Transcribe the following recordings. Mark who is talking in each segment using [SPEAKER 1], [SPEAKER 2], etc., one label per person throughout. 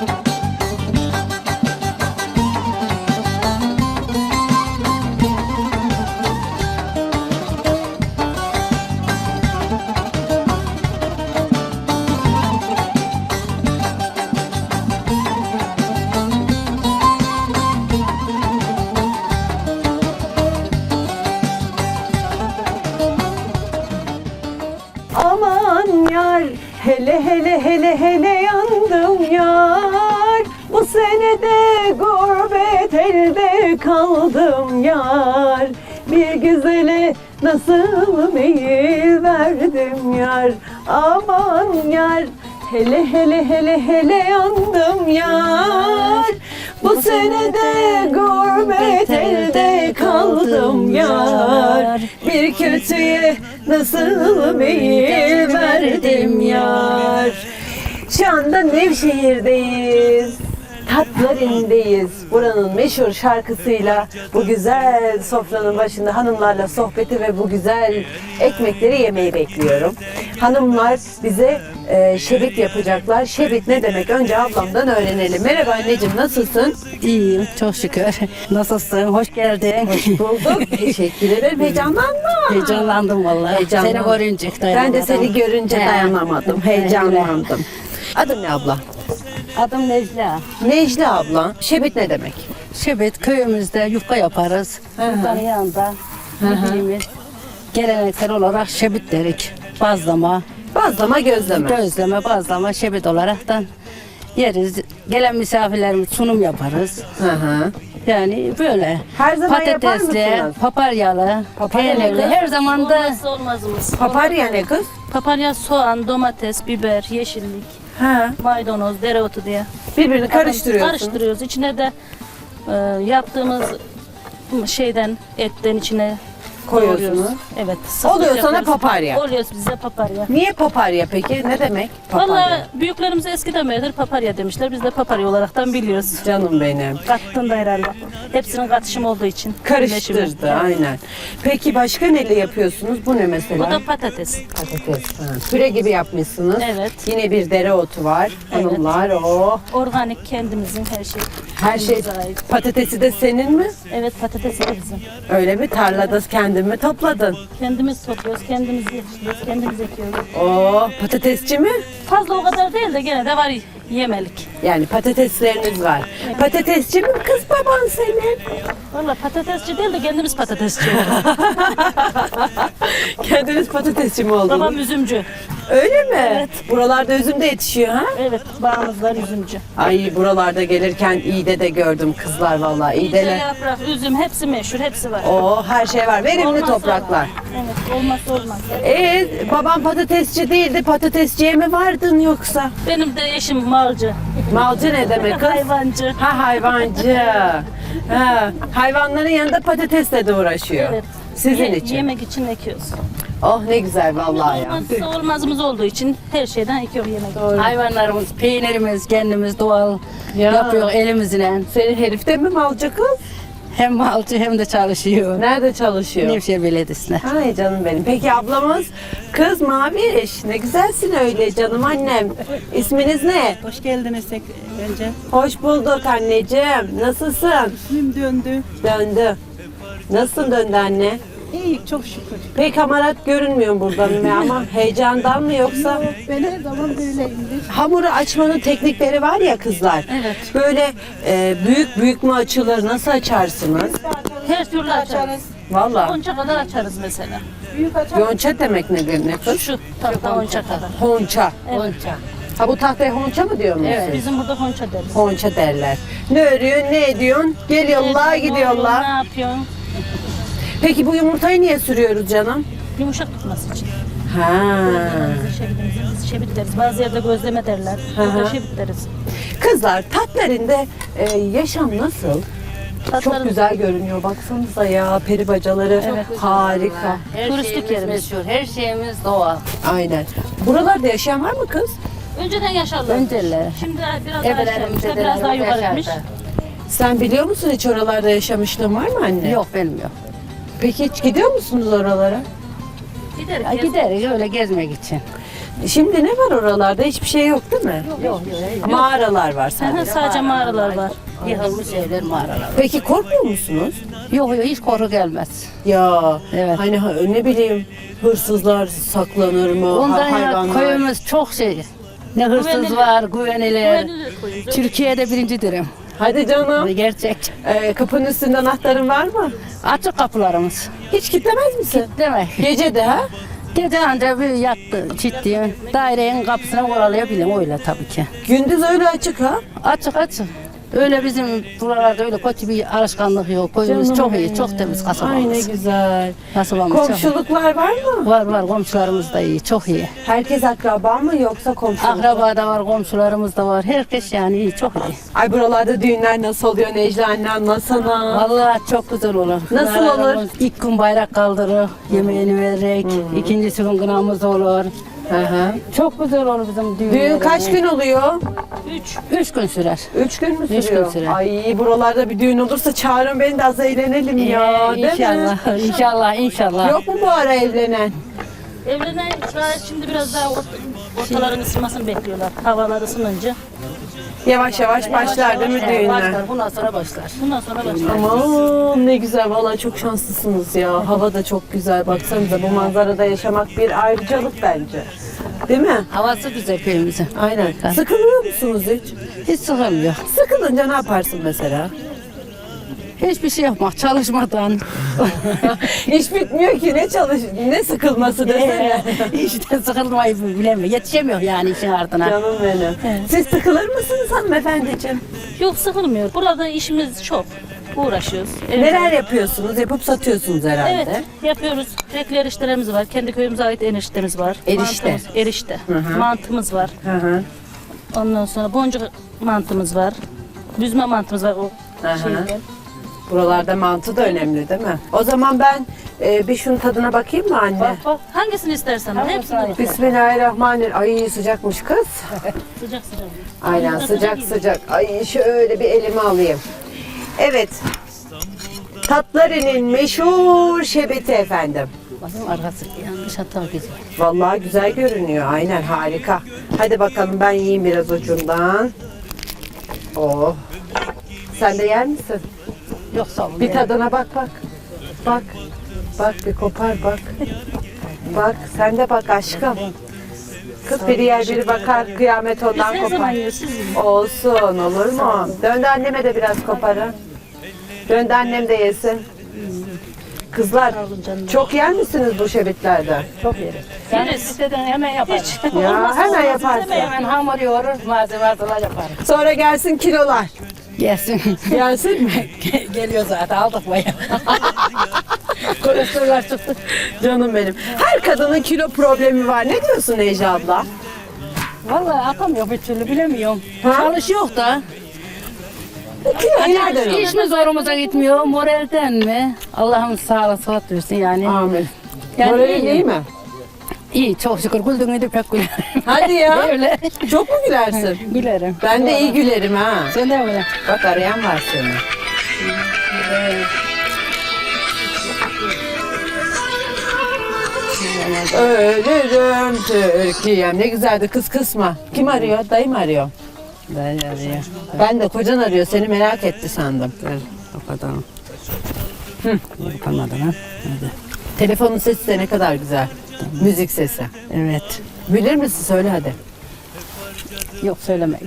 [SPEAKER 1] Aman yar, hele hele hele hele yandım yar. Bu senede gurbet elde kaldım yar. Bir güzele nasıl meyil verdim yar. Aman yar, hele hele hele hele yandım yar. Bu senede gurbet elde kaldım yar. Bir kötüye nasıl meyil verdim yar. Şu anda Nevşehir'deyiz. Tatların'deyiz. Buranın meşhur şarkısıyla bu güzel sofranın başında hanımlarla sohbeti ve bu güzel ekmekleri yemeyi bekliyorum. Hanımlar bize şebit yapacaklar. Şebit ne demek? Önce ablamdan öğrenelim. Merhaba anneciğim, nasılsın?
[SPEAKER 2] İyiyim, çok şükür. Nasılsın? Hoş geldin.
[SPEAKER 1] Hoş bulduk. Teşekkür ederim. Heyecanlanma.
[SPEAKER 2] Heyecanlandım vallahi.
[SPEAKER 1] Heyecanlandım.
[SPEAKER 2] Seni görünce
[SPEAKER 1] Ben de seni görünce
[SPEAKER 2] He.
[SPEAKER 1] dayanamadım. Heyecanlandım. Adın ne abla?
[SPEAKER 2] Adım Necla.
[SPEAKER 1] Necla abla. Şebit ne demek?
[SPEAKER 2] Şebet köyümüzde yufka yaparız. Yufkanın yanında bildiğimiz geleneksel olarak şebit derik. Bazlama,
[SPEAKER 1] Bazlama, gözleme.
[SPEAKER 2] gözleme, bazlama, şebet olaraktan yeriz. Gelen misafirlerimiz sunum yaparız.
[SPEAKER 1] Hı hı.
[SPEAKER 2] Yani böyle
[SPEAKER 1] Her zaman yapar
[SPEAKER 2] patatesli,
[SPEAKER 1] mısınız?
[SPEAKER 2] paparyalı,
[SPEAKER 1] Paparyalı.
[SPEAKER 2] peynirli her zaman da
[SPEAKER 3] Olmazsa olmazımız.
[SPEAKER 1] Paparya ne kız?
[SPEAKER 3] Paparya, soğan, domates, biber, yeşillik,
[SPEAKER 1] Ha.
[SPEAKER 3] maydanoz, dereotu diye.
[SPEAKER 1] Birbirini karıştırıyorsun.
[SPEAKER 3] Karıştırıyoruz. İçine de yaptığımız şeyden, etten içine
[SPEAKER 1] Koyuyorsunuz.
[SPEAKER 3] doğruyoruz. Evet.
[SPEAKER 1] Oluyor sana
[SPEAKER 3] yapıyoruz.
[SPEAKER 1] paparya.
[SPEAKER 3] Oluyor bize paparya.
[SPEAKER 1] Niye paparya peki? Ne demek paparya?
[SPEAKER 3] Valla büyüklerimiz eskiden beridir paparya demişler. Biz de paparya olaraktan biliyoruz.
[SPEAKER 1] Canım benim.
[SPEAKER 3] Kattığında herhalde. Hepsinin katışımı olduğu için.
[SPEAKER 1] Karıştırdı
[SPEAKER 3] birleşimi.
[SPEAKER 1] aynen. Peki başka neyle yapıyorsunuz? Bu ne mesela?
[SPEAKER 3] Bu da patates.
[SPEAKER 1] Patates. Ha. Püre gibi yapmışsınız.
[SPEAKER 3] Evet.
[SPEAKER 1] Yine bir dereotu var.
[SPEAKER 3] Evet.
[SPEAKER 1] Hanımlar o.
[SPEAKER 3] Organik, kendimizin her şey.
[SPEAKER 1] Her şey.
[SPEAKER 3] Kendimize ait.
[SPEAKER 1] Patatesi de senin mi?
[SPEAKER 3] Evet, patates de bizim.
[SPEAKER 1] Öyle mi? Tarlada kendin mi topladın?
[SPEAKER 3] Kendimiz topluyoruz, kendimiz yetiştiriyoruz, kendimiz ekiyoruz.
[SPEAKER 1] Oo, patatesçi mi?
[SPEAKER 3] Fazla o kadar değil de gene de var yemelik.
[SPEAKER 1] Yani patatesleriniz var. Patatesçi mi kız baban senin?
[SPEAKER 3] Valla patatesçi değil de kendimiz patatesçi olduk.
[SPEAKER 1] Kendiniz patatesçi mi oldunuz?
[SPEAKER 3] Babam üzümcü.
[SPEAKER 1] Öyle mi?
[SPEAKER 3] Evet.
[SPEAKER 1] Buralarda üzüm de yetişiyor ha?
[SPEAKER 3] Evet, bağımız var üzümcü.
[SPEAKER 1] Ay buralarda gelirken İğde de gördüm kızlar vallahi.
[SPEAKER 3] İyice
[SPEAKER 1] İğdeler.
[SPEAKER 3] yaprak, üzüm hepsi meşhur, hepsi var.
[SPEAKER 1] Oo, her şey var. Verimli
[SPEAKER 3] Olmazsa
[SPEAKER 1] topraklar.
[SPEAKER 3] olmaz. Evet, olmazsa olmaz.
[SPEAKER 1] Babam patatesçi değildi. Patatesçiye mi vardın yoksa?
[SPEAKER 3] Benim de eşim malcı,
[SPEAKER 1] Malcı ne demek kız?
[SPEAKER 3] hayvancı.
[SPEAKER 1] Ha hayvancı. Ha, hayvanların yanında patatesle de uğraşıyor.
[SPEAKER 3] Evet.
[SPEAKER 1] Sizin için.
[SPEAKER 3] Yemek için ekiyoruz.
[SPEAKER 1] Oh ne güzel vallahi ya.
[SPEAKER 3] Olmazsa olmazımız olduğu için her şeyden ekiyorum yemek.
[SPEAKER 2] hayvanlarımız, peynirimiz kendimiz doğal
[SPEAKER 1] Ya.
[SPEAKER 2] yapıyor elimizle.
[SPEAKER 1] Senin herif de mi malcı kız?
[SPEAKER 2] Hem malcı hem de çalışıyor.
[SPEAKER 1] Nerede çalışıyor?
[SPEAKER 2] Nevşehir Belediyesi'nde.
[SPEAKER 1] Ay canım benim. Peki ablamız kız Maviş. Ne güzelsin öyle canım annem. İsminiz ne?
[SPEAKER 4] Hoş geldiniz önce.
[SPEAKER 1] Hoş bulduk anneciğim. Nasılsın?
[SPEAKER 4] İsmim döndü.
[SPEAKER 1] Döndü. Nasılsın döndü anne?
[SPEAKER 4] İyi, çok şükür.
[SPEAKER 1] Pek hamarat görünmüyor buradan ama heyecandan mı yoksa?
[SPEAKER 4] Ben her zaman böyleyimdir.
[SPEAKER 1] Hamuru açmanın teknikleri var ya kızlar.
[SPEAKER 3] Evet.
[SPEAKER 1] Böyle büyük büyük mü açılır? Nasıl açarsınız?
[SPEAKER 3] Her türlü açarız.
[SPEAKER 1] Vallahi.
[SPEAKER 3] Onca kadar açarız mesela.
[SPEAKER 4] Büyük açar.
[SPEAKER 1] Yonça demek nedir ne kız?
[SPEAKER 3] Şu tahta onca kadar.
[SPEAKER 1] Honça.
[SPEAKER 3] Evet.
[SPEAKER 1] Ha bu tahtaya honça mı diyor musunuz?
[SPEAKER 3] Bizim burada honça deriz.
[SPEAKER 1] Honça derler. Ne örüyorsun, ne ediyorsun? Geliyorlar,
[SPEAKER 3] Ne
[SPEAKER 1] gidiyorlar.
[SPEAKER 3] yapıyorsun?
[SPEAKER 1] Peki bu yumurtayı niye sürüyoruz canım?
[SPEAKER 3] Yumuşak tutması için.
[SPEAKER 1] Ha.
[SPEAKER 3] Biz şebit deriz. Bazı yerde gözleme derler. Burada şebit deriz.
[SPEAKER 1] Kızlar tatlarında yaşam nasıl? Çok
[SPEAKER 3] Tatların-
[SPEAKER 1] güzel görünüyor. Baksanıza ya peri bacaları harika.
[SPEAKER 2] Her
[SPEAKER 3] Turistik
[SPEAKER 2] şeyimiz
[SPEAKER 3] yerimiz.
[SPEAKER 2] meşhur, her şeyimiz doğal.
[SPEAKER 1] Aynen. Buralarda yaşayan var mı kız?
[SPEAKER 3] Önceden yaşarlar.
[SPEAKER 2] Önceler.
[SPEAKER 3] Şimdi biraz daha
[SPEAKER 2] Ebelerimiz,
[SPEAKER 3] aşağı, biraz daha yukarı etmiş.
[SPEAKER 1] Sen biliyor musun hiç oralarda yaşamışlığın var mı anne?
[SPEAKER 2] Yok benim yok.
[SPEAKER 1] Peki hiç gidiyor musunuz oralara?
[SPEAKER 3] Gideriz.
[SPEAKER 2] Ya gideriz öyle gezmek için.
[SPEAKER 1] Şimdi ne var oralarda? Hiçbir şey yok değil mi?
[SPEAKER 2] Yok.
[SPEAKER 1] Mağaralar var sadece.
[SPEAKER 3] Sadece mağaralar var.
[SPEAKER 2] Yıkılmış evler, mağaralar.
[SPEAKER 1] Peki korkmuyor musunuz?
[SPEAKER 2] Yok hiç korku gelmez.
[SPEAKER 1] Ya
[SPEAKER 2] Evet.
[SPEAKER 1] hani ne bileyim hırsızlar saklanır mı?
[SPEAKER 2] Ondan ya
[SPEAKER 1] Hayvanlar.
[SPEAKER 2] köyümüz çok şey. Ne hırsız
[SPEAKER 3] Güvenilir.
[SPEAKER 2] var, güvenilir.
[SPEAKER 3] Güvenilir koyun.
[SPEAKER 2] Türkiye'de birincidirim.
[SPEAKER 1] Hadi canım.
[SPEAKER 2] Gerçek.
[SPEAKER 1] Kapının üstünde anahtarın var mı?
[SPEAKER 2] Açık kapılarımız.
[SPEAKER 1] Hiç kilitlemez misin?
[SPEAKER 2] Demek.
[SPEAKER 1] Gece de ha?
[SPEAKER 2] Gece anca bir yattı ciddi. Dairenin kapısına koralayabilirim öyle tabii ki.
[SPEAKER 1] Gündüz öyle açık ha?
[SPEAKER 2] Açık. Öyle bizim buralarda öyle kötü bir alışkanlık yok. Köyümüz
[SPEAKER 1] Canım
[SPEAKER 2] çok iyi,
[SPEAKER 1] benim.
[SPEAKER 2] çok temiz
[SPEAKER 1] Ay ne
[SPEAKER 2] kasabamız.
[SPEAKER 1] güzel.
[SPEAKER 2] Kasabamız çok iyi.
[SPEAKER 1] Komşuluklar var mı?
[SPEAKER 2] Var komşularımız da iyi, çok iyi.
[SPEAKER 1] Herkes akraba mı yoksa komşuluk?
[SPEAKER 2] Akraba da var, komşularımız da var. Herkes yani iyi, çok iyi.
[SPEAKER 1] Ay buralarda düğünler nasıl oluyor Necla anne anlasana.
[SPEAKER 2] Vallahi çok güzel olur.
[SPEAKER 1] Nasıl
[SPEAKER 2] Kınalarımız
[SPEAKER 1] olur?
[SPEAKER 2] İlk gün bayrak kaldırır, yemeğini vererek. İkincisi gün kınamız olur.
[SPEAKER 1] Hı hı.
[SPEAKER 2] Çok güzel olur bizim düğünlerimiz.
[SPEAKER 1] Düğün kaç gün oluyor?
[SPEAKER 2] 3 gün sürer.
[SPEAKER 1] 3 gün mü
[SPEAKER 2] Üç
[SPEAKER 1] sürüyor?
[SPEAKER 2] gün sürer.
[SPEAKER 1] Ay buralarda bir düğün olursa çağırın beni de az eğlenelim ya. değil mi?
[SPEAKER 2] İnşallah.
[SPEAKER 1] Yok mu bu ara evlenen?
[SPEAKER 3] Evlenen şimdi biraz daha ortaların ısınmasını bekliyorlar. Havalar ısınınca.
[SPEAKER 1] Yavaş yavaş başlar değil mi düğünler?
[SPEAKER 2] Başlar, bundan sonra başlar.
[SPEAKER 3] Bundan sonra başlar.
[SPEAKER 1] Aman ne güzel vallahi çok şanslısınız ya. Hava da çok güzel. Baksanıza bu manzarada yaşamak bir ayrıcalık bence. Değil mi?
[SPEAKER 2] Havası güzel köyümüzün.
[SPEAKER 1] Aynen. Sıkılıyor musunuz hiç?
[SPEAKER 2] Hiç sıkılmıyor.
[SPEAKER 1] Sıkılınca ne yaparsın mesela?
[SPEAKER 2] Hiçbir şey yapmak, çalışmadan.
[SPEAKER 1] İş bitmiyor ki ne sıkılması desene.
[SPEAKER 2] İşte sıkılmayı bilemiyor. Yetişemiyor yani işin ardına.
[SPEAKER 1] Canım benim. Siz sıkılır mısınız hanımefendiciğim?
[SPEAKER 3] Yok sıkılmıyor. Burada işimiz çok. Uğraşıyoruz.
[SPEAKER 1] Neler yapıyorsunuz? Yapıp satıyorsunuz herhalde.
[SPEAKER 3] Evet yapıyoruz. Renkli eriştelerimiz var. Kendi köyümüze ait eriştemiz var.
[SPEAKER 1] Erişte.
[SPEAKER 3] Erişte. Mantımız var.
[SPEAKER 1] Hı hı.
[SPEAKER 3] Ondan sonra boncuk mantımız var. Büzme mantımız var o
[SPEAKER 1] Aha.
[SPEAKER 3] şeyden.
[SPEAKER 1] Buralarda mantı da önemli değil mi? O zaman ben bir şunun tadına bakayım mı anne?
[SPEAKER 3] Bak hangisini istersen. Hepsini bak.
[SPEAKER 1] Bismillahirrahmanirrahim. Ay sıcakmış kız.
[SPEAKER 3] Sıcak sıcak.
[SPEAKER 1] Aynen sıcak sıcak. Ay şöyle bir elime alayım. Evet. Tatlarının meşhur şebeti efendim.
[SPEAKER 2] Bakın arkası yanlış hata güzel.
[SPEAKER 1] Vallahi güzel görünüyor. Aynen harika. Hadi bakalım ben yiyeyim biraz ucundan. Oh. Sen de yer misin?
[SPEAKER 2] Yok sağ olun.
[SPEAKER 1] Bir tadına bak. Bak. Bak bir kopar bak. Bak sen de bak aşkım. Kız biri yer biri bakar kıyamet
[SPEAKER 3] Biz
[SPEAKER 1] ondan
[SPEAKER 3] her zaman
[SPEAKER 1] kopar.
[SPEAKER 3] yiyoruz. Siz yiyin.
[SPEAKER 1] Olsun olur mu? Döndü anneme de biraz koparın. Döndü annem de yesin. Kızlar çok yer misiniz bu şebitlerden?
[SPEAKER 2] Çok yeriz. Yani
[SPEAKER 3] Yeriz.
[SPEAKER 2] isteden hemen yaparız.
[SPEAKER 1] Ya hemen yaparsın.
[SPEAKER 2] Hemen hamur yoğurur, malzeme yaparız.
[SPEAKER 1] Sonra gelsin kilolar.
[SPEAKER 2] Gelsin.
[SPEAKER 1] Gelsin mi?
[SPEAKER 2] Geliyor zaten aldık bayağı. Kolesterol çıktı.
[SPEAKER 1] Canım benim. Her kadının kilo problemi var. Ne diyorsun Necla abla?
[SPEAKER 2] Vallahi atamıyor bir türlü bilemiyorum.
[SPEAKER 1] Ha?
[SPEAKER 2] Çalışıyor da.
[SPEAKER 1] Kilo nereden alıyor?
[SPEAKER 2] İş mi zorumuza gitmiyor, moralden mi? Allah'ım sağlık sıhhat versin yani.
[SPEAKER 1] Amin.
[SPEAKER 2] Yani
[SPEAKER 1] Moralin iyi mi?
[SPEAKER 2] İyi çok şükür güldüğünü de pek gülerim.
[SPEAKER 1] Hadi ya.
[SPEAKER 2] Öyle.
[SPEAKER 1] Çok mu gülersin?
[SPEAKER 2] Gülerim.
[SPEAKER 1] Ben de iyi gülerim ha.
[SPEAKER 2] Sen de öyle.
[SPEAKER 1] Bak arayan var seni. Ölürüm Türkiye'm. Ne güzeldi kız kısma. Kim arıyor? Dayım arıyor.
[SPEAKER 2] Ben arıyor.
[SPEAKER 1] Ben de kocan arıyor. Seni merak etti sandım.
[SPEAKER 2] O kadar. Yapamadım ha. Hadi.
[SPEAKER 1] Telefonun sesi de ne kadar güzel. Müzik sesi.
[SPEAKER 2] Evet.
[SPEAKER 1] Bilir misin? Söyle hadi.
[SPEAKER 2] Yok söylemeyin.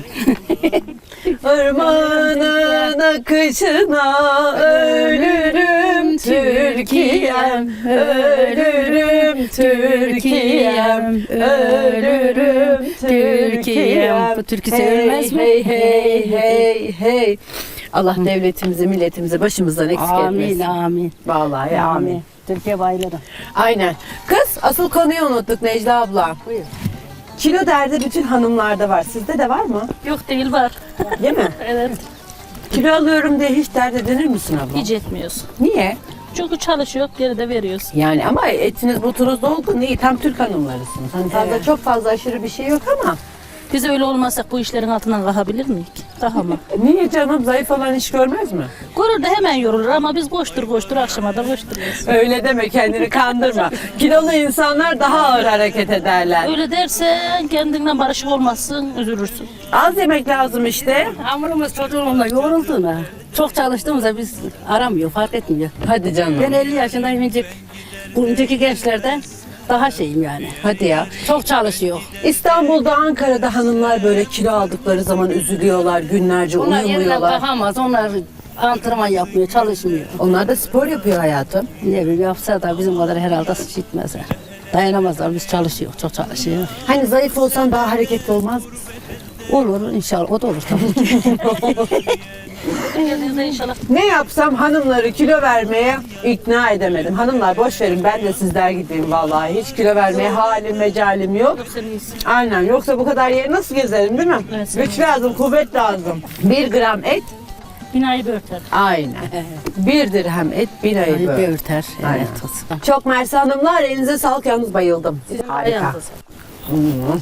[SPEAKER 1] Ormanın akışına ölürüm Türkiye'm, ölürüm Türkiye'm, ölürüm Türkiye'm.
[SPEAKER 2] Bu türkü sevilmez mi?
[SPEAKER 1] Hey hey hey hey. Allah devletimizi, milletimizi başımızdan eksik
[SPEAKER 2] Amin,
[SPEAKER 1] etmesin.
[SPEAKER 2] amin.
[SPEAKER 1] Vallahi amin.
[SPEAKER 2] Amin. Türkiye bayılırım.
[SPEAKER 1] Aynen. Kız asıl konuyu unuttuk Necla abla.
[SPEAKER 2] Buyur.
[SPEAKER 1] Kilo derdi bütün hanımlarda var. Sizde de var mı?
[SPEAKER 3] Yok değil var.
[SPEAKER 1] Değil mi?
[SPEAKER 3] Evet.
[SPEAKER 1] Kilo alıyorum diye hiç dert edinir misin abla?
[SPEAKER 3] Hiç etmiyoruz.
[SPEAKER 1] Niye?
[SPEAKER 3] Çünkü çalışıyor, geri de veriyoruz.
[SPEAKER 1] Yani ama etiniz butunuz dolgun iyi. Tam Türk hanımlarısınız. Hani fazla çok fazla aşırı bir şey yok ama.
[SPEAKER 3] Biz öyle olmazsak bu işlerin altından kalkabilir miyiz? Daha mı?
[SPEAKER 1] Niye canım? Zayıf olan iş görmez mi?
[SPEAKER 3] Görür de hemen yorulur ama biz koştur akşama da koşturuyoruz.
[SPEAKER 1] Öyle deme, kendini kandırma. Kilolu insanlar daha ağır hareket ederler.
[SPEAKER 3] Öyle dersen kendinden barışık olmazsın, üzülürsün.
[SPEAKER 1] Az yemek lazım işte.
[SPEAKER 2] Hamurumuz çocuğumla yoğrulduğuna. Çok çalıştığımızda biz aramıyor, fark etmiyor.
[SPEAKER 1] Hadi canım.
[SPEAKER 2] Ben 50 yaşındayım, bu önceki gençlerden daha şeyim yani.
[SPEAKER 1] Hadi ya.
[SPEAKER 2] Çok çalışıyor.
[SPEAKER 1] İstanbul'da, Ankara'da hanımlar böyle kilo aldıkları zaman üzülüyorlar, günlerce
[SPEAKER 2] Onlar yerinden
[SPEAKER 1] uyumuyorlar.
[SPEAKER 2] kalkamaz, onlar antrenman yapmıyor, çalışmıyor.
[SPEAKER 1] Onlar da spor yapıyor hayatım.
[SPEAKER 2] Ne bileyim yapsa da bizim kadar herhalde gitmezler. Dayanamazlar, biz çalışıyor, çok çalışıyor.
[SPEAKER 1] Hani zayıf olsan daha hareketli olmaz mısın?
[SPEAKER 2] Olur inşallah, o da olur tabii ki.
[SPEAKER 3] Geldiğinizde inşallah.
[SPEAKER 1] Ne yapsam hanımları kilo vermeye ikna edemedim. Hanımlar boş verin, ben de sizler gibiyim vallahi. Hiç kilo vermeye halim mecalim yok.
[SPEAKER 3] Sen iyisin.
[SPEAKER 1] Aynen, yoksa bu kadar yeri nasıl gezerim değil mi?
[SPEAKER 3] Evet.
[SPEAKER 1] Güç lazım, kuvvet lazım. 1 gram et,
[SPEAKER 3] Binayı bir örter.
[SPEAKER 1] aynen. 1 dirhem et, 1 ayı
[SPEAKER 2] Yani
[SPEAKER 1] böyle.
[SPEAKER 2] böğürter.
[SPEAKER 1] Aynen.
[SPEAKER 2] Evet, olsun.
[SPEAKER 1] Çok mersi hanımlar, elinize sağlık, yalnız bayıldım. Harika.
[SPEAKER 3] Ayağınıza sağlık.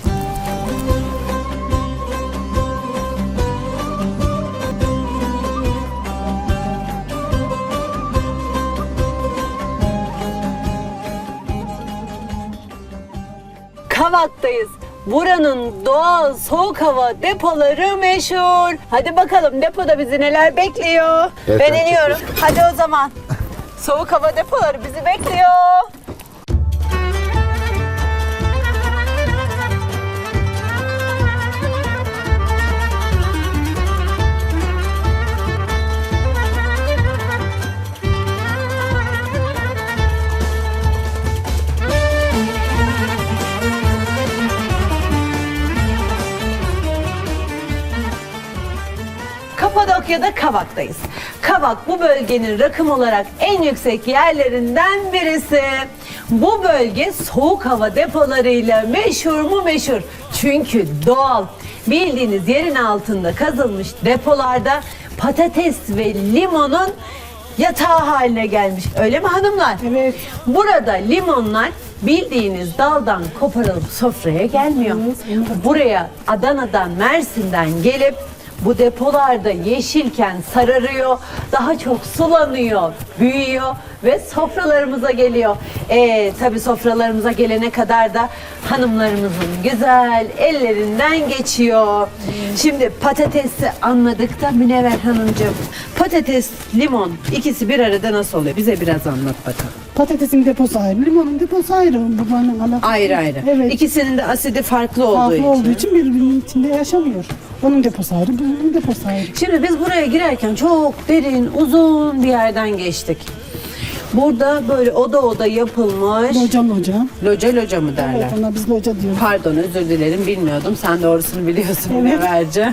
[SPEAKER 1] Kavak'tayız. Buranın doğal soğuk hava depoları meşhur. Hadi bakalım depoda bizi neler bekliyor. Ben iniyorum. Hadi o zaman. Soğuk hava depoları bizi bekliyor. Kapadokya'da Kavak'tayız. Kavak bu bölgenin rakım olarak en yüksek yerlerinden birisi. Bu bölge soğuk hava depolarıyla meşhur mu meşhur. Çünkü doğal. Bildiğiniz yerin altında kazılmış depolarda patates ve limonun yatağı haline gelmiş. Öyle mi hanımlar?
[SPEAKER 4] Evet.
[SPEAKER 1] Burada limonlar bildiğiniz daldan koparılıp sofraya gelmiyor. Buraya Adana'dan, Mersin'den gelip bu depolarda yeşilken sararıyor, daha çok sulanıyor, büyüyor ve sofralarımıza geliyor. Tabii sofralarımıza gelene kadar da hanımlarımızın güzel ellerinden geçiyor. Şimdi patatesi anladık da Münevver Hanımcığım, patates, limon ikisi bir arada nasıl oluyor? Bize biraz anlat bakalım.
[SPEAKER 4] Patatesin deposu ayrı, limonun deposu ayrı. Babanın alakası.
[SPEAKER 1] Ayrı ayrı.
[SPEAKER 4] Evet.
[SPEAKER 1] İkisinin de asidi farklı olduğu
[SPEAKER 4] Farklı
[SPEAKER 1] için.
[SPEAKER 4] olduğu için birbirinin içinde yaşamıyor. Onun deposu ayrı, bunun deposu ayrı.
[SPEAKER 1] Şimdi biz buraya girerken çok derin, uzun bir yerden geçtik. Burada böyle oda oda yapılmış.
[SPEAKER 4] Loca.
[SPEAKER 1] Loca mı derler?
[SPEAKER 4] Evet, ona biz loca diyoruz.
[SPEAKER 1] Pardon, özür dilerim, bilmiyordum. Sen doğrusunu biliyorsun Münevverce.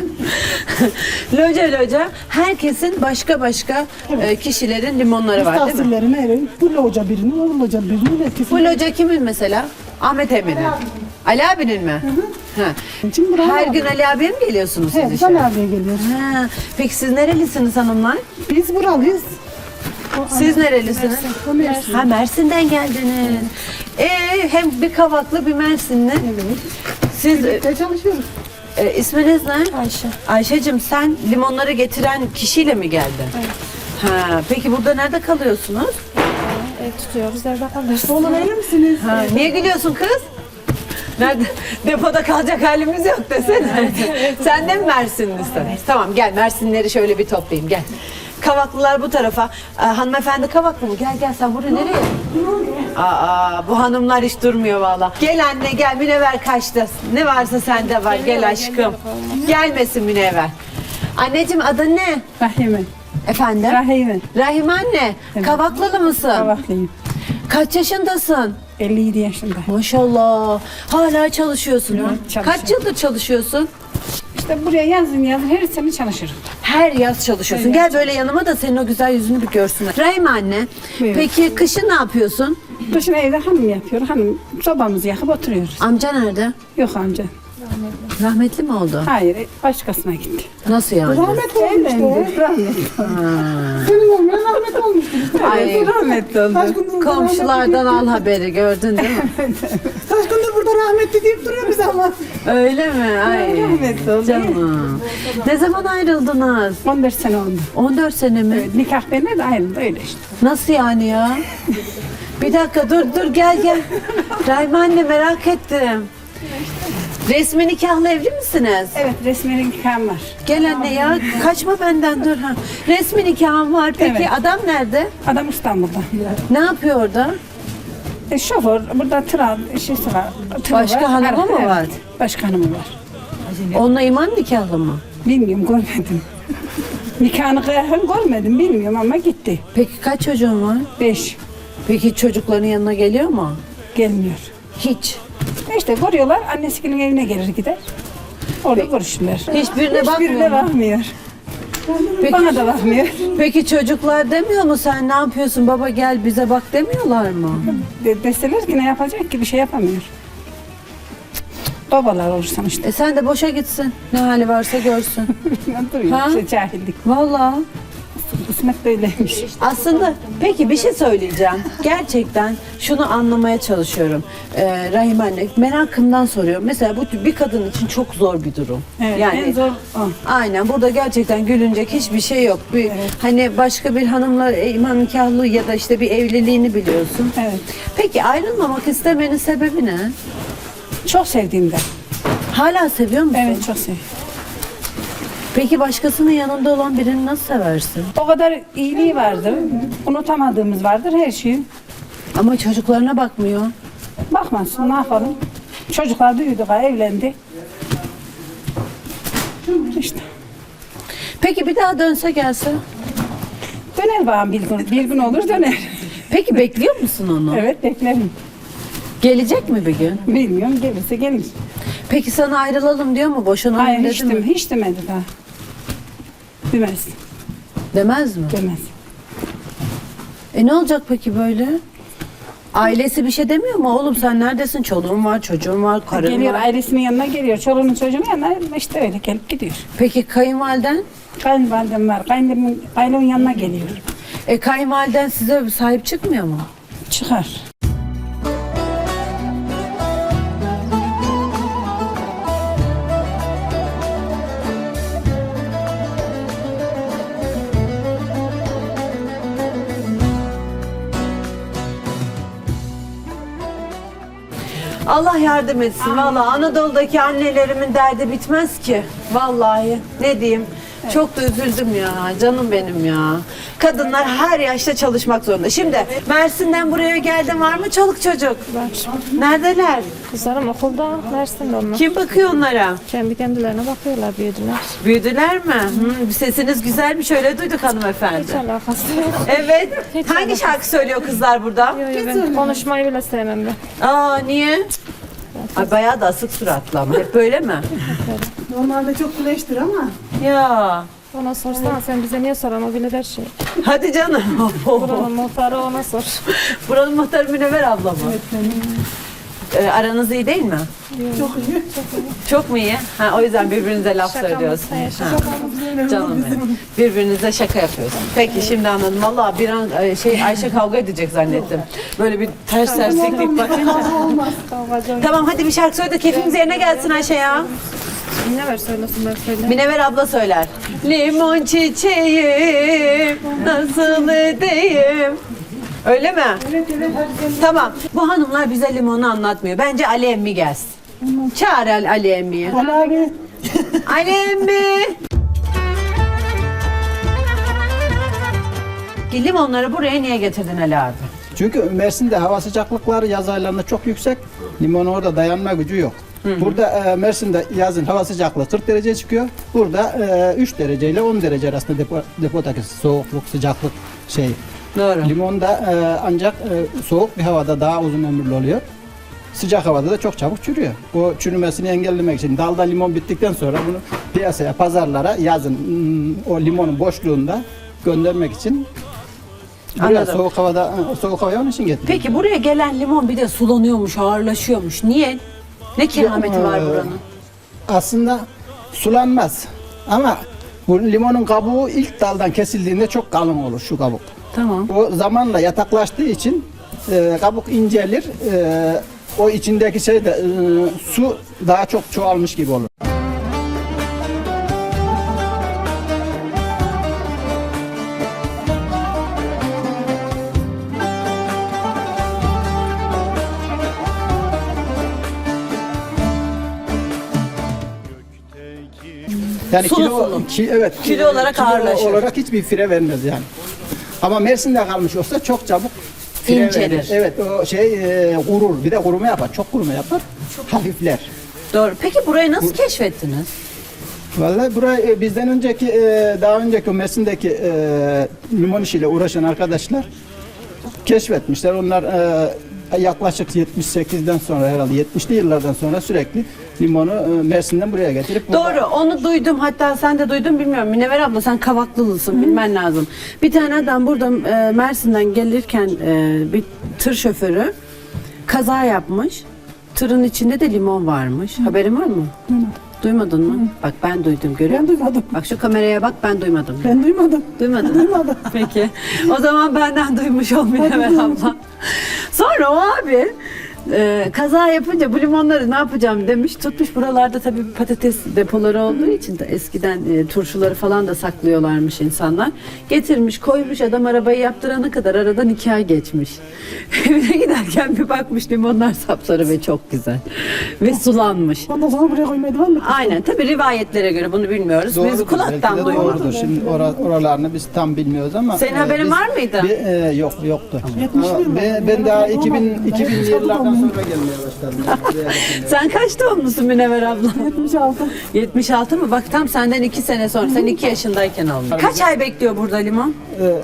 [SPEAKER 1] loca. Herkesin başka kişilerin limonları var değil mi?
[SPEAKER 4] Misafirlerine ayrı. Bu loca birinin, o loca birinin. Herkesin.
[SPEAKER 1] Bu loca kimin mesela? Ahmet Emin'in. Ali abinin mi? Ha.
[SPEAKER 4] Şimdi buraya
[SPEAKER 1] Her
[SPEAKER 4] abi.
[SPEAKER 1] gün Ali abiye mi geliyorsunuz siz
[SPEAKER 4] Evet,
[SPEAKER 1] işe?
[SPEAKER 4] ben abiye geliyoruz.
[SPEAKER 1] Ha. Peki siz nerelisiniz hanımlar?
[SPEAKER 4] Biz buralıyız.
[SPEAKER 1] Siz nerelisiniz?
[SPEAKER 4] O Mersin.
[SPEAKER 1] Ha, Mersin'den geldiniz. Hem bir Kavaklı bir Mersinli.
[SPEAKER 4] Evet.
[SPEAKER 1] Siz
[SPEAKER 4] Birlikte çalışıyoruz.
[SPEAKER 1] isminiz ne? Ayşe. Ayşe'cim, sen limonları getiren kişiyle mi geldin? Evet. Ha, peki burada nerede kalıyorsunuz?
[SPEAKER 5] Tutuyoruz, evde kalırız.
[SPEAKER 4] Oğlum verir misiniz?
[SPEAKER 1] Ha, niye gülüyorsun kız? Nerede? Depoda kalacak halimiz yok desene. Sen de mi Mersinlisin? Evet. Tamam, gel Mersinleri şöyle bir toplayayım, gel. Kavaklılar bu tarafa. Hanımefendi Kavaklı mı? Gel sen buraya nereye? Bu hanımlar hiç durmuyor valla. Gel anne gel, Münevver kaçtı. Ne varsa sende var, gel aşkım. Gelmesin Münevver. Anneciğim adın ne?
[SPEAKER 4] Rahime.
[SPEAKER 1] Efendim?
[SPEAKER 4] Rahime.
[SPEAKER 1] Rahime anne. Kavaklılı mısın?
[SPEAKER 4] Kavaklıyım.
[SPEAKER 1] Kaç yaşındasın?
[SPEAKER 4] 57 yaşında.
[SPEAKER 1] Maşallah. Hala çalışıyorsun ha?
[SPEAKER 4] çalışıyorum.
[SPEAKER 1] Kaç yıldır çalışıyorsun?
[SPEAKER 4] İşte buraya yazın her sene çalışırım.
[SPEAKER 1] Her yaz çalışıyorsun. Gel böyle yanıma da senin o güzel yüzünü bir görsünler. Rahime anne,
[SPEAKER 4] Buyurun.
[SPEAKER 1] peki kışın ne yapıyorsun?
[SPEAKER 4] Kışın evde hanım yapıyor. Hanım sobamızı yakıp oturuyoruz.
[SPEAKER 1] Amca nerede?
[SPEAKER 4] Yok amca.
[SPEAKER 1] Rahmetli mi oldu?
[SPEAKER 4] Hayır, başkasına gitti.
[SPEAKER 1] Nasıl yani?
[SPEAKER 4] Rahmetli olmuştu. Rahmetli. Senin olmayan rahmetli olmuştu.
[SPEAKER 1] Ay,
[SPEAKER 4] Rahmetli oldu.
[SPEAKER 1] komşulardan al haberi, gördün değil mi?
[SPEAKER 4] Kaç gündür burada rahmetli rahmetli deyip duruyor biz ama.
[SPEAKER 1] Öyle mi? Ay
[SPEAKER 4] Rahmetli oldu.
[SPEAKER 1] canım. Ne zaman ayrıldınız?
[SPEAKER 4] 14 sene oldu.
[SPEAKER 1] 14 sene mi?
[SPEAKER 4] Evet, nikah benimle de ayrıldı öyle işte.
[SPEAKER 1] Nasıl yani ya? Bir dakika dur gel. Rahime anne merak ettim. Resmi nikahlı evli misiniz?
[SPEAKER 4] Evet, resmi nikahım var.
[SPEAKER 1] Gel anne ya kaçma benden dur. Ha. Resmi nikahım var. Peki
[SPEAKER 4] Evet.
[SPEAKER 1] adam nerede?
[SPEAKER 4] Adam İstanbul'da.
[SPEAKER 1] Ne yapıyor orada?
[SPEAKER 4] Şoför, burada tır şeysi var. tırı
[SPEAKER 1] Başka hanımı
[SPEAKER 4] Araba,
[SPEAKER 1] mı
[SPEAKER 4] evet.
[SPEAKER 1] var?
[SPEAKER 4] Başka hanımı var.
[SPEAKER 1] Onunla iman nikahlı mı?
[SPEAKER 4] Bilmiyorum, görmedim. Nikahını kıyafını görmedim, bilmiyorum ama gitti.
[SPEAKER 1] Peki kaç çocuğun var?
[SPEAKER 4] 5
[SPEAKER 1] Peki çocukların yanına geliyor mu?
[SPEAKER 4] gelmiyor.
[SPEAKER 1] Hiç.
[SPEAKER 4] İşte görüyorlar, annesinin evine gelir gider. Orada görüşürler.
[SPEAKER 1] Hiçbirine bakmıyor
[SPEAKER 4] Hiçbirine
[SPEAKER 1] mu?
[SPEAKER 4] bakmıyor.
[SPEAKER 1] Peki,
[SPEAKER 4] Bana da bakmıyor.
[SPEAKER 1] peki çocuklar demiyor mu sen ne yapıyorsun baba gel bize bak demiyorlar mı?
[SPEAKER 4] Deseler ki ne yapacak ki bir şey yapamıyor. Babalar olursan işte.
[SPEAKER 1] Sen de boşa gitsin. Ne hali varsa görsün.
[SPEAKER 4] Duruyor
[SPEAKER 1] Ha?
[SPEAKER 4] işte cahillik.
[SPEAKER 1] Vallahi.
[SPEAKER 4] Kısmet böyleymiş.
[SPEAKER 1] Aslında peki bir şey söyleyeceğim. Gerçekten şunu anlamaya çalışıyorum. Rahime anne merakımdan soruyorum. Mesela bu bir kadın için çok zor bir durum.
[SPEAKER 4] Evet,
[SPEAKER 1] yani
[SPEAKER 4] en zor o.
[SPEAKER 1] aynen burada gerçekten gülünecek hiçbir şey yok. Hani başka bir hanımla iman nikahlı ya da işte bir evliliğini biliyorsun.
[SPEAKER 4] Evet.
[SPEAKER 1] Peki ayrılmamak istemenin sebebi ne?
[SPEAKER 4] Çok sevdiğimden.
[SPEAKER 1] Hala seviyor musun?
[SPEAKER 4] Evet, çok seviyorum.
[SPEAKER 1] Peki başkasının yanında olan birini nasıl seversin?
[SPEAKER 4] O kadar iyiliği vardır. Unutamadığımız vardır her şeyi.
[SPEAKER 1] Ama çocuklarına bakmıyor.
[SPEAKER 4] Bakmasın, ne yapalım? Çocuklar büyüdü, evlendi. İşte.
[SPEAKER 1] Peki bir daha dönse gelse?
[SPEAKER 4] Döner bana bir gün olur döner.
[SPEAKER 1] Peki bekliyor musun onu?
[SPEAKER 4] Evet, beklerim.
[SPEAKER 1] Gelecek mi bir gün?
[SPEAKER 4] Bilmiyorum, gelirse gelir.
[SPEAKER 1] Peki sana ayrılalım diyor mu? Boşanalım
[SPEAKER 4] Hayır,
[SPEAKER 1] dedi mi?
[SPEAKER 4] hiç demedi daha. Demez,
[SPEAKER 1] Demez mi?
[SPEAKER 4] demez.
[SPEAKER 1] Ne olacak peki böyle? Ailesi bir şey demiyor mu? Oğlum sen neredesin? Çoluğun var, çocuğun var, karın
[SPEAKER 4] Geliyor,
[SPEAKER 1] var.
[SPEAKER 4] ailesinin yanına geliyor. Çoluğunun çocuğunun yanına işte öyle gelip gidiyor.
[SPEAKER 1] Peki kayınvaliden?
[SPEAKER 4] Kayınvalidem var. Kaynımın yanına geliyor.
[SPEAKER 1] Kayınvaliden size sahip çıkmıyor mu?
[SPEAKER 4] Çıkar.
[SPEAKER 1] Allah yardım etsin. Vallahi Anadolu'daki annelerimin derdi bitmez ki. Vallahi ne diyeyim. Çok da üzüldüm ya. Canım benim ya. Kadınlar her yaşta çalışmak zorunda. Şimdi Mersin'den buraya geldin var mı çoluk çocuk?
[SPEAKER 5] Var.
[SPEAKER 1] Neredeler?
[SPEAKER 5] Kızlarım okulda, Mersin'de onlar.
[SPEAKER 1] Kim bakıyor onlara?
[SPEAKER 5] Kendi kendilerine bakıyorlar, büyüdüler.
[SPEAKER 1] Büyüdüler mi? Sesiniz güzelmiş öyle duyduk hanımefendi.
[SPEAKER 5] Hiç alakası yok.
[SPEAKER 1] Evet.
[SPEAKER 5] Hiç
[SPEAKER 1] Hangi
[SPEAKER 5] alakası.
[SPEAKER 1] şarkı söylüyor kızlar burada?
[SPEAKER 5] Yo, ben konuşmayı bile sevmem ben.
[SPEAKER 1] Aa niye? Ay bayağı da asık suratlı ama hep böyle mi?
[SPEAKER 4] Normalde çok güleştir ama.
[SPEAKER 1] Ya
[SPEAKER 5] Ona sorsana sen bize niye soran, o bilir her şeyi.
[SPEAKER 1] hadi canım.
[SPEAKER 5] Buranın muhtarı ona sor.
[SPEAKER 1] Buranın muhtarı Münevver abla mı? Aranız iyi değil mi?
[SPEAKER 4] Çok iyi.
[SPEAKER 1] Çok mu iyi? Ha, o yüzden birbirinize laf
[SPEAKER 5] Şakamız,
[SPEAKER 1] söylüyorsunuz. Ha,
[SPEAKER 5] şakamız.
[SPEAKER 1] canım benim. Birbirinize şaka yapıyorsunuz. Peki şimdi anladım. Vallahi bir an Ayşe kavga edecek zannettim. Böyle bir ters tersliklik bakınca.
[SPEAKER 5] Kavgacı oyun.
[SPEAKER 1] Tamam hadi bir şarkı söyle de keyfimiz yerine gelsin Ayşe ya.
[SPEAKER 5] Ne ver söylesin, ben söyle.
[SPEAKER 1] Münevver abla söyler. Limon çiçeğim nasıl edeyim? Öyle mi?
[SPEAKER 4] Evet, hadi sen.
[SPEAKER 1] Tamam. Bu hanımlar bize limonu anlatmıyor. Bence Ali emmi gelsin. Çağır Ali emmiyi.
[SPEAKER 4] Ali.
[SPEAKER 1] Ali emmi. Limonları buraya niye getirdin Ali abi?
[SPEAKER 6] Çünkü Mersin'de hava sıcaklıkları yaz aylarında çok yüksek. Limon orada dayanma gücü yok. Burada Mersin'de yazın hava sıcaklığı 40 derece çıkıyor. Burada 3 derece ile 10 derece arasında depodaki soğukluk, sıcaklık şey.
[SPEAKER 1] Doğru.
[SPEAKER 6] Limon da ancak soğuk bir havada daha uzun ömürlü oluyor. Sıcak havada da çok çabuk çürüyor. O çürümesini engellemek için dalda limon bittikten sonra bunu piyasaya, pazarlara yazın o limonun boşluğunda göndermek için buraya
[SPEAKER 1] Anladım.
[SPEAKER 6] soğuk havaya onun için getirdim.
[SPEAKER 1] Peki buraya gelen limon bir de sulanıyormuş, ağırlaşıyormuş. Niye? Ne kerameti var buranın?
[SPEAKER 6] Aslında sulanmaz. Ama bu limonun kabuğu ilk daldan kesildiğinde çok kalın olur şu kabuk.
[SPEAKER 1] Tamam.
[SPEAKER 6] O zamanla yataklaştığı için kabuk incelir, o içindeki şey de su daha çok çoğalmış gibi olur. Yani
[SPEAKER 1] Sulu sulu.
[SPEAKER 6] Evet.
[SPEAKER 1] Kilo olarak ağırlaşır.
[SPEAKER 6] olarak hiçbir fire vermez yani. Ama Mersin'de kalmış olsa çok çabuk fire
[SPEAKER 1] İncelir.
[SPEAKER 6] verir. Evet, o şey kurur. Bir de kuruma yapar. Çok kuruma yapar. Hafifler.
[SPEAKER 1] Doğru. Peki burayı nasıl keşfettiniz?
[SPEAKER 6] Vallahi burayı bizden önceki daha önceki o Mersin'deki limon işiyle uğraşan arkadaşlar keşfetmişler. Onlar yaklaşık 78'den sonra herhalde 70'li yıllardan sonra sürekli limonu Mersin'den buraya getirip
[SPEAKER 1] Doğru, onu duydum. Hatta sen de duydun bilmiyorum. Münevver abla sen Kavaklılısın, bilmen lazım. Bir tane adam burada Mersin'den gelirken bir tır şoförü kaza yapmış. Tırın içinde de limon varmış. Haberin var mı? Duymadın mı? Bak ben duydum, görüyor musun?
[SPEAKER 4] Ben duymadım.
[SPEAKER 1] Bak şu kameraya bak, ben duymadım.
[SPEAKER 4] Ben duymadım.
[SPEAKER 1] Duymadın mı? Peki. O zaman benden duymuş ol Münevver abla. Sonra o abi kaza yapınca bu limonları ne yapacağım demiş. Tutmuş buralarda tabii patates depoları olduğu için de eskiden turşuları falan da saklıyorlarmış insanlar. Getirmiş koymuş, adam arabayı yaptırana kadar aradan 2 ay geçmiş. Evine giderken bir bakmış limonlar sapsarı ve çok güzel. Ve sulanmış.
[SPEAKER 4] Ondan sonra buraya koymayı devam et.
[SPEAKER 1] Aynen, tabii rivayetlere göre bunu bilmiyoruz. Biz
[SPEAKER 6] Doğrudur, belki
[SPEAKER 1] kulaktan
[SPEAKER 6] de
[SPEAKER 1] duyuyoruz.
[SPEAKER 6] doğrudur. Şimdi oralarını biz tam bilmiyoruz ama
[SPEAKER 1] Senin haberin var mıydı?
[SPEAKER 6] Yoktu.
[SPEAKER 4] 70'li
[SPEAKER 6] Ama
[SPEAKER 4] yıllar.
[SPEAKER 6] ben daha
[SPEAKER 4] Ben
[SPEAKER 6] 2000'li yıllardan sonra gelmeye başladım.
[SPEAKER 1] Sen kaç doğumlusun Münevver abla?
[SPEAKER 4] 76.
[SPEAKER 1] 76 mı? Bak tam senden 2 sene sonra. Sen 2 yaşındayken olmuş. Kaç ay bekliyor burada limon?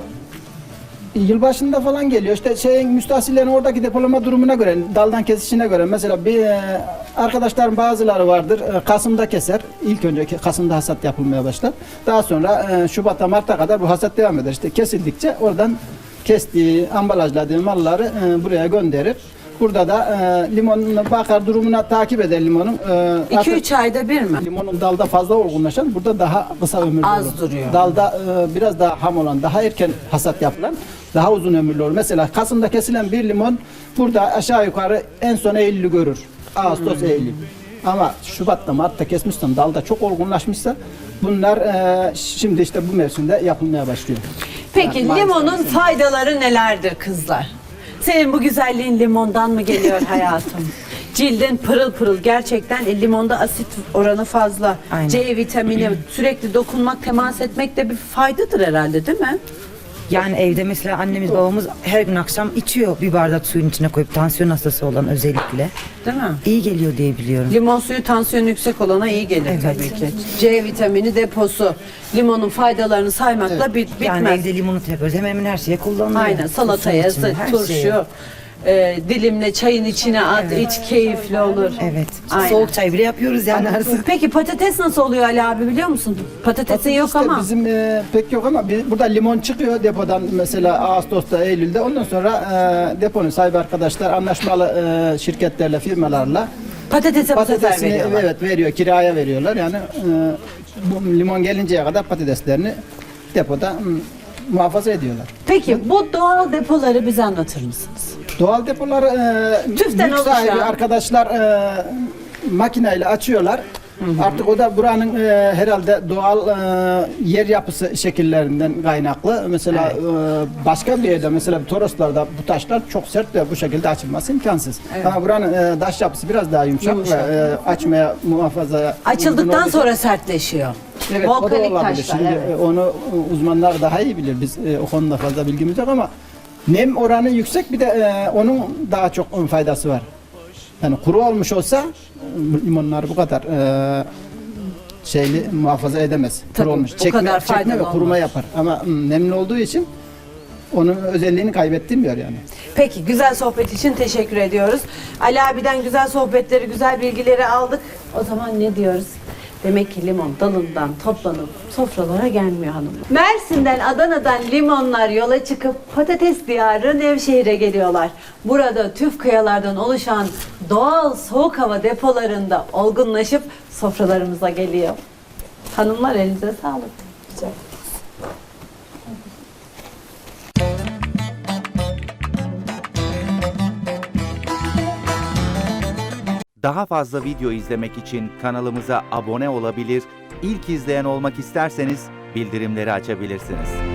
[SPEAKER 6] Yılbaşında falan geliyor. İşte şeyin müstahsillerin oradaki depolama durumuna göre, daldan kesişine göre mesela bir arkadaşların bazıları vardır. Kasım'da keser. İlk önce Kasım'da hasat yapılmaya başlar. Daha sonra Şubat'a Mart'a kadar bu hasat devam eder. İşte kesildikçe oradan kestiği, ambalajladığı malları buraya gönderir. Burada da limonun bakar durumuna takip eder limonun.
[SPEAKER 1] 2-3 ayda bir mi?
[SPEAKER 6] Limonun dalda fazla olgunlaşan burada daha kısa ömürlü
[SPEAKER 1] Az
[SPEAKER 6] olur.
[SPEAKER 1] duruyor.
[SPEAKER 6] Dalda biraz daha ham olan, daha erken hasat yapılan daha uzun ömürlü olur. Mesela Kasım'da kesilen bir limon burada aşağı yukarı en son Eylül'ü görür. Ağustos, Eylül. Ama Şubat'ta, Mart'ta kesmişsen, dalda çok olgunlaşmışsa bunlar şimdi işte bu mevsimde yapılmaya başlıyor.
[SPEAKER 1] Peki
[SPEAKER 6] Yani
[SPEAKER 1] limonun
[SPEAKER 6] maalesef.
[SPEAKER 1] faydaları nelerdir kızlar? Senin bu güzelliğin limondan mı geliyor hayatım? Cildin pırıl pırıl, gerçekten limonda asit oranı fazla.
[SPEAKER 7] Aynen.
[SPEAKER 1] C vitamini, sürekli dokunmak, temas etmek de bir faydadır herhalde, değil mi?
[SPEAKER 7] Yani evde mesela annemiz babamız her gün akşam içiyor bir bardak suyun içine koyup, tansiyon hastası olan özellikle.
[SPEAKER 1] Değil mi?
[SPEAKER 7] İyi geliyor diye biliyorum.
[SPEAKER 1] Limon suyu tansiyonu yüksek olana iyi gelir
[SPEAKER 7] Evet.
[SPEAKER 1] tabii ki. C vitamini deposu. Limonun faydalarını saymakla bitmez.
[SPEAKER 7] Yani evde limonata yapıyoruz. Hemen hemen her şeye kullanılıyor.
[SPEAKER 1] Aynen, salataya,
[SPEAKER 7] Turşunun içine, her
[SPEAKER 1] turşu,
[SPEAKER 7] şeye.
[SPEAKER 1] dilimle çayın içine at, iç, keyifli olur.
[SPEAKER 7] Evet.
[SPEAKER 1] Aynen.
[SPEAKER 7] Soğuk çay bile yapıyoruz yani her zaman.
[SPEAKER 1] Peki patates nasıl oluyor Ali abi, biliyor musun? Patatesin yok
[SPEAKER 6] İşte
[SPEAKER 1] ama.
[SPEAKER 6] bizim pek yok ama burada limon çıkıyor depodan mesela Ağustos'ta, Eylül'de. Ondan sonra deponun sahibi arkadaşlar anlaşmalı şirketlerle, firmalarla
[SPEAKER 1] Patatese bu sefer
[SPEAKER 6] patatesini
[SPEAKER 1] veriyorlar.
[SPEAKER 6] evet veriyor, kiraya veriyorlar. Yani bu limon gelinceye kadar patateslerini depoda muhafaza ediyorlar.
[SPEAKER 1] Peki bu doğal depoları bize anlatır mısınız?
[SPEAKER 6] Doğal depolar
[SPEAKER 1] Tüften
[SPEAKER 6] mülk sahibi
[SPEAKER 1] oluşan.
[SPEAKER 6] arkadaşlar makineyle açıyorlar. Artık o da buranın herhalde doğal yer yapısı şekillerinden kaynaklı. Mesela başka bir yerde, mesela Toroslar'da bu taşlar çok sert ve bu şekilde açılması imkansız. Ama buranın taş yapısı biraz daha yumuşak. Ve açmaya, muhafazaya uygun
[SPEAKER 1] Açıldıktan
[SPEAKER 6] olduğu
[SPEAKER 1] sonra sertleşiyor.
[SPEAKER 6] evet, o da
[SPEAKER 1] Volkanik
[SPEAKER 6] olabilir.
[SPEAKER 1] taşlar.
[SPEAKER 6] Şimdi
[SPEAKER 1] Evet.
[SPEAKER 6] onu uzmanlar daha iyi bilir. Biz o konuda fazla bilgimiz yok ama nem oranı yüksek, bir de onun daha çok faydası var. Yani kuru olmuş olsa limonlar bu kadar şeyli muhafaza edemez.
[SPEAKER 1] Tabii,
[SPEAKER 6] Kuru olmuş.
[SPEAKER 1] bu kadar
[SPEAKER 6] Çekme
[SPEAKER 1] faydalı
[SPEAKER 6] ve kuruma
[SPEAKER 1] olmaz.
[SPEAKER 6] yapar. Ama nemli olduğu için onun özelliğini kaybettirmiyor yani.
[SPEAKER 1] Peki, güzel sohbet için teşekkür ediyoruz. Ali abiden güzel sohbetleri, güzel bilgileri aldık. O zaman ne diyoruz? Demek ki limon dalından toplanıp sofralara gelmiyor hanımlar. Mersin'den, Adana'dan limonlar yola çıkıp patates diyarı Nevşehir'e geliyorlar. Burada tüf kayalardan oluşan doğal soğuk hava depolarında olgunlaşıp sofralarımıza geliyor. Hanımlar, elinize sağlık. Güzel.
[SPEAKER 8] Daha fazla video izlemek için kanalımıza abone olabilir, ilk izleyen olmak isterseniz bildirimleri açabilirsiniz.